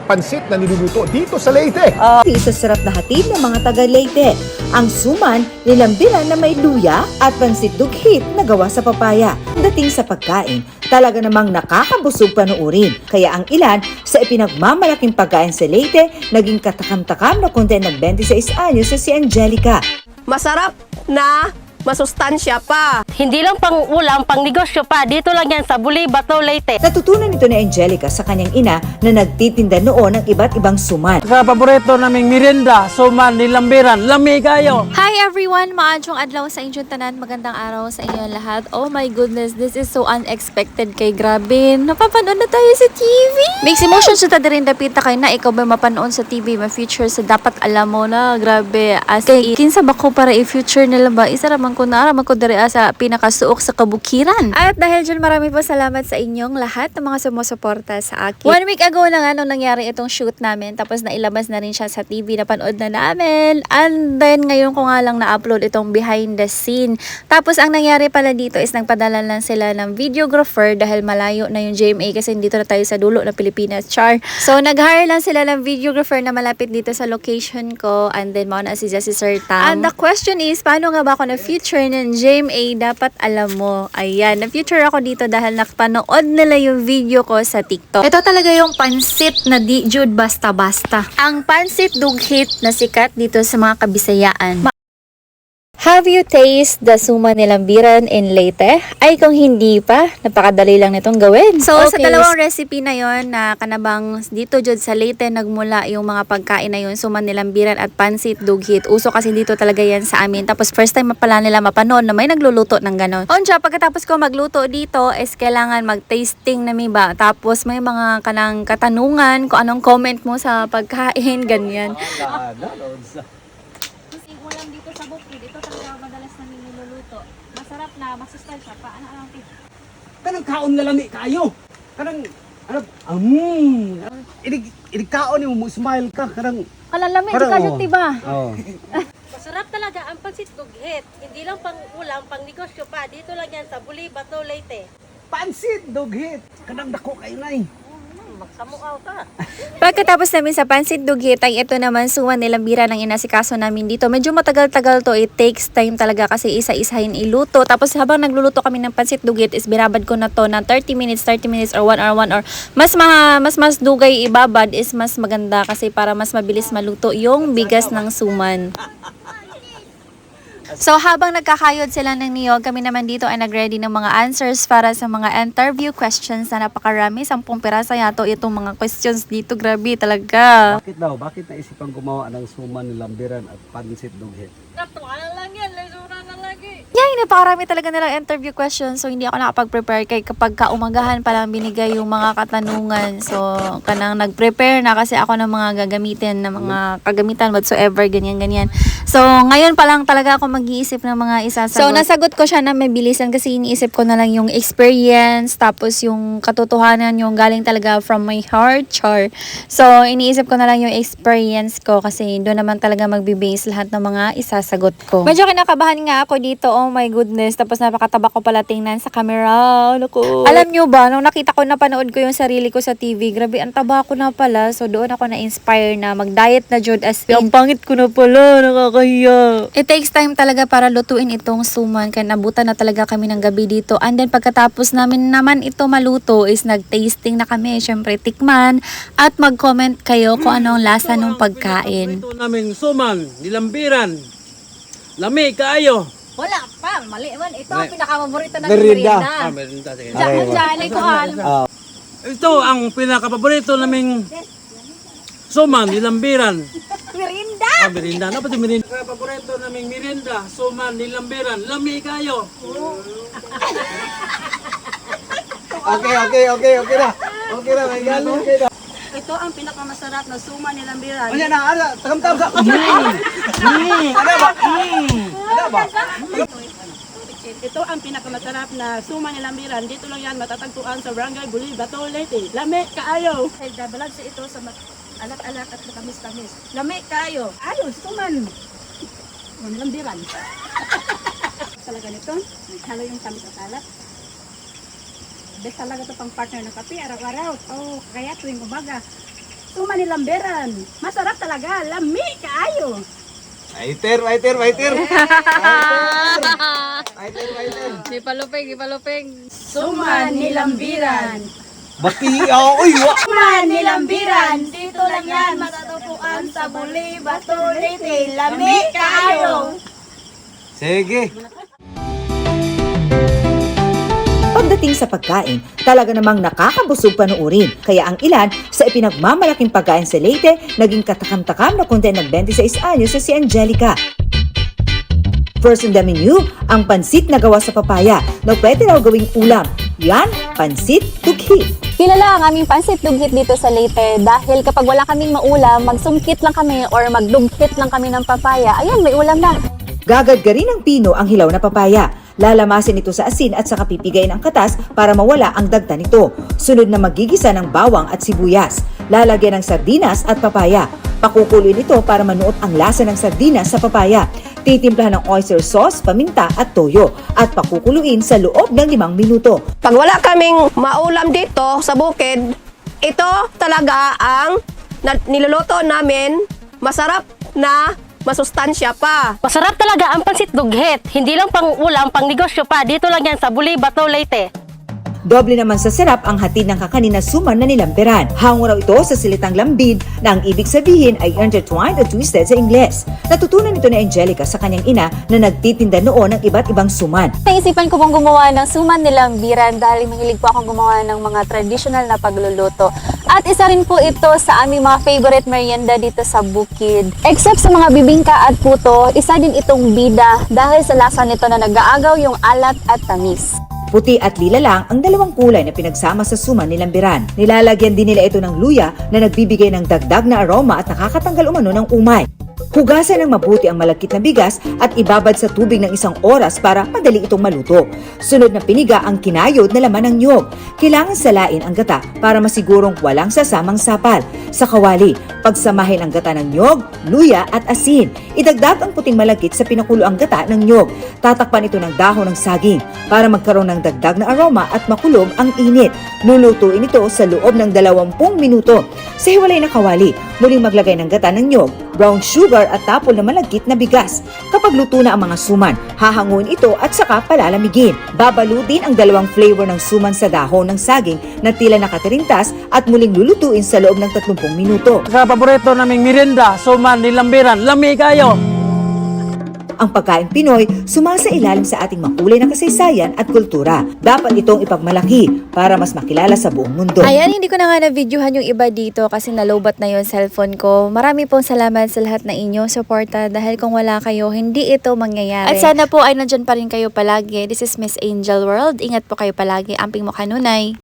pansit na niluluto dito sa Leyte. Sa sarap na hatid ng mga taga Leyte, ang suman, nilambiran na may luya at pansit dughit na gawa sa papaya. Dating sa pagkain, talaga namang nakakabusog panuurin. Kaya ang ilan sa ipinagmamalaking pagkain sa Leyte, naging katakam-takam na kundi nag-26 anyos sa si Angelica. Masarap na masustansya pa. Hindi lang pang ulam, pang negosyo pa. Dito lang yan sa Buli, Bato, Leyte. Natutunan ito ni Angelica sa kanyang ina na nagtitinda noon ng iba't ibang suman. Sa paborito naming merienda, suman, nilambiran, lami kayo. Hi everyone! Maadjong adlaw sa inyong tanan. Magandang araw sa inyo lahat. Oh my goodness, this is so unexpected kay grabe. Napapanood na tayo sa TV. Mixed emotions sa rin dapit na kayo na ikaw ba mapanood sa TV, ma-future sa dapat alam mo na. Grabe. As kay kinsa ba ko para i-future nila ba? Isa raman ko na araman ko dari sa pinakasuok sa kabukiran. At dahil dyan, marami po salamat sa inyong lahat ng mga sumusuporta sa akin. 1 week ago na nga nung nangyari itong shoot namin. Tapos nailabas na rin siya sa TV. Napanood na namin. And then ngayon ko nga lang na-upload itong behind the scene. Tapos ang nangyari pala dito is nagpadala lang sila ng videographer dahil malayo na yung GMA kasi dito na tayo sa dulo ng Pilipinas. Char. So nag-hire lang sila ng videographer na malapit dito sa location ko. And then mauna si Sir Tam. And the question is, paano nga ba ako na future ng GMA? Dapat alam mo. Ayan, na-future ako dito dahil nakapanood nila yung video ko sa TikTok. Ito talaga yung pansit na di Jude basta-basta. Ang pansit dughit na sikat dito sa mga Kabisayaan. Have you tasted the suman nilambiran in Leyte? Ay kung hindi pa, napakadali lang nitong gawin. So sa dalawang recipe na yon na kanabang dito jud sa Leyte nagmula yung mga pagkain na yon, suman nilambiran at pansit dughit. Uso kasi dito talaga yan sa amin. Tapos first time pala nila mapanood na may nagluluto ng ganon. Onja, pagkatapos ko magluto dito is kailangan mag-tasting na mi ba? Tapos may mga kanang katanungan kung anong comment mo sa pagkain, ganyan. Ulam dito sa bukid, ito talaga madalas namin niluluto. Masarap na, masustansya pa. Ano Kanang kaon na lami kayo. Kanang, idig kaon mo, smile ka. Kanang, Kalalami, di ka dyan, diba? oh. Masarap talaga ang pansit dughit. Hindi lang pang ulam, pang negosyo pa. Dito lang yan sa Buli, Bato, Leyte. Pansit, dughit. Kanang dako kayo na Magsamuaw ka. Pagkatapos namin sa pansit dughit ay ito naman suman nilambiran ng inasikaso namin dito. Medyo matagal-tagal to. It takes time talaga kasi isa-isahin iluto. Tapos habang nagluluto kami ng pansit dughit is binabad ko na to ng 30 minutes or 1 hour, 1 hour. Mas dugay ibabad is mas maganda kasi para mas mabilis maluto yung bigas ng suman. So habang nagkakayod sila ng niyog, kami naman dito ay nag-ready ng mga answers para sa mga interview questions na napakarami. 10 pirasa yato itong mga questions dito. Grabe talaga. Bakit daw? Bakit naisipan gumawa ng suman, nilambiran at pansit, dughit? Natuwa lang yan. Lesura na lagi. Yay, napakarami talaga nilang interview questions. So hindi ako nakapag-prepare kay kapag kaumagahan pa lang binigay yung mga katanungan. So kanang nag-prepare na kasi ako ng mga gagamitin, ng mga kagamitan whatsoever, ganyan-ganyan. So ngayon pa lang talaga ako mag-iisip ng mga isasagot. So nasagot ko siya na may bilisan kasi iniisip ko na lang yung experience, tapos yung katotohanan yung galing talaga from my heart, char. So iniisip ko na lang yung experience ko kasi doon naman talaga magbe-base lahat ng mga isasagot ko. Medyo kinakabahan nga ako dito, oh my goodness. Tapos napakataba ko pala tingnan sa camera. Naku. Alam nyo ba, nung nakita ko, napanood ko yung sarili ko sa TV, grabe, ang taba ko na pala. So doon ako na-inspire na mag-diet na jud as in. Ang pangit ko na pala, nakakahiya. It takes time talaga para lutuin itong suman. Kaya nabutan na talaga kami ng gabi dito. And then pagkatapos namin naman ito maluto is nag-tasting na kami. Syempre tikman at mag-comment kayo kung anong lasa ng pagkain. Ito namin suman, nilambiran, lami kayo. Wala pa, mali man. Ito ang pinakapaborito ng Merienda. merienda. Merienda. Sige. Diyan, ko alam. Ito ang pinakapaborito naming suman, nilambiran. Merienda! Merienda. Ano pa ito merienda? Paborito naming merienda, suman, nilambiran, lami kayo. Okay na. Okay na, may galo. Ito ang pinakamasarap na suma nilang biran. Ano na, tagam-tagam sa... Ano ba? Ito ang pinakamasarap na suma nilang biran. Dito lang yan matatagpuan sa Barangay Buli, Bato, Leyte. Lami kaayo! Ay, dabalag sa ito sa alat-alat at matamis-tamis. Lami kaayo! Ayos, suman! Nilang biran. Talaga nito, naghalo yung tamis at alat. Best talaga ito pang partner ng kape, araw-araw. Oh, kaya tuwing umaga. suman ni lambiran. Masarap talaga, lami kaayo. Waiter. Ipaluping. Suman ni lambiran. Bati, uy, wa. Suman ni lambiran, dito lang yan matatagpuan sa Buli, Bato, Leyte. Lami kaayo. Sige. Pagdating sa pagkain, talaga namang nakakabusog panuurin. Kaya ang ilan sa ipinagmamalaking pagkain sa Leyte, naging katakam-takam na kundi nag-26 anyos sa si Angelica. First on the menu, ang pansit na gawa sa papaya na pwede raw gawing ulam. Yan, pansit tughit. Kilala ang aming pansit dughit dito sa Leyte dahil kapag wala kaming maulam, magsungkit lang kami or magdughit lang kami ng papaya. Ayan, may ulam na. Gagadgarin ng pino ang hilaw na papaya. Lalamasin ito sa asin at saka pipigayin ang katas para mawala ang dagta nito. Sunod na magigisa ng bawang at sibuyas. Lalagyan ng sardinas at papaya. Pakukuluin ito para manuot ang lasa ng sardinas sa papaya. Titimplahan ng oyster sauce, paminta at toyo at pakukuluin sa loob ng 5 minuto. Pag wala kaming maulam dito sa bukid, ito talaga ang niluluto namin. Masarap na masustansya pa. Masarap talaga ang pansit dughit. Hindi lang pang ulam, pang negosyo pa. Dito lang yan sa Buli, Bato, Leyte. Doble naman sa sarap ang hatid ng kakanin na suman na nilampiran. Hango raw ito sa silitang lambid na ang ibig sabihin ay intertwined at twisted sa Ingles. Natutunan ito ni Angelica sa kanyang ina na nagtitinda noon ng iba't ibang suman. Naisipan ko pong gumawa ng suman ni lambiran dahil mahilig po akong gumawa ng mga traditional na pagluluto. At isa rin po ito sa aming mga favorite merienda dito sa bukid. Except sa mga bibingka at puto, isa din itong bida dahil sa lasa nito na nag-aagaw yung alat at tamis. Puti at lila lang ang dalawang kulay na pinagsama sa suman ni lambiran. Nilalagyan din nila ito ng luya na nagbibigay ng dagdag na aroma at nakakatanggal umano ng umay. Hugasan ng mabuti ang malagkit na bigas at ibabad sa tubig ng 1 oras para madali itong maluto. Sunod na piniga ang kinayod na laman ng niyog. Kailangan salain ang gata para masigurong walang sasamang sapal. Sa kawali, pagsamahin ang gata ng niyog, luya at asin. Idagdag ang puting malagkit sa pinakuloang gata ng niyog. Tatakpan ito ng dahon ng saging para magkaroon ng dagdag na aroma at makulog ang init. Lulutuin ito sa loob ng 20 minuto. Sa hiwalay na kawali, muling maglagay ng gata ng niyog, brown sugar at tapol na malagkit na bigas. Kapag luto na ang mga suman, hahanguin ito at saka palalamigin. Babalutin ang 2 flavor ng suman sa dahon ng saging na tila nakatirintas at muling lulutuin sa loob ng 30 minuto. Sa paborito naming merienda, suman ni lambiran. Lami kayo. Ang pagkain Pinoy sumasailalim sa ating makulay na kasaysayan at kultura. Dapat itong ipagmalaki para mas makilala sa buong mundo. Ayan, hindi ko na nga na-videohan yung iba dito kasi nalobat na yung cellphone ko. Marami pong salamat sa lahat na inyong suporta dahil kung wala kayo, hindi ito mangyayari. At sana po ay nandyan pa rin kayo palagi. This is Miss Angel World. Ingat po kayo palagi. Amping mo kanunay.